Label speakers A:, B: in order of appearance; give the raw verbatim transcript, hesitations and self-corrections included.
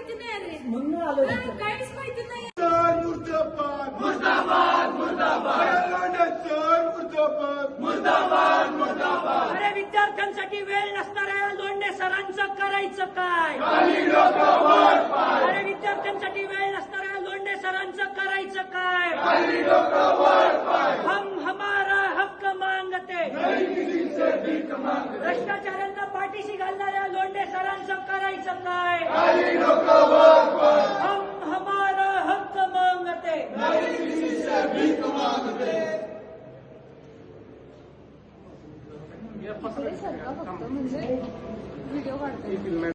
A: माहिती नाही रे
B: म्हणून आलो
A: हा, काहीच माहिती नाही.
C: मुर्दाबाद मुर्दाबाद मुर्दाबाद मुर्दाबाद मुर्दाबाद मुर्दाबाद.
B: अरे विद्यार्थ्यांसाठी वेळ नसणाऱ्या लोंढे सरांचं करायचं काय? अरे विद्यार्थ्यांसाठी वेळ नसणाऱ्या लोंढे सरांचं करायचं काय? हम हमारा हक्क मांगते. भ्रष्टाचारांना पाठीशी घालणाऱ्या लोंढे सरांचं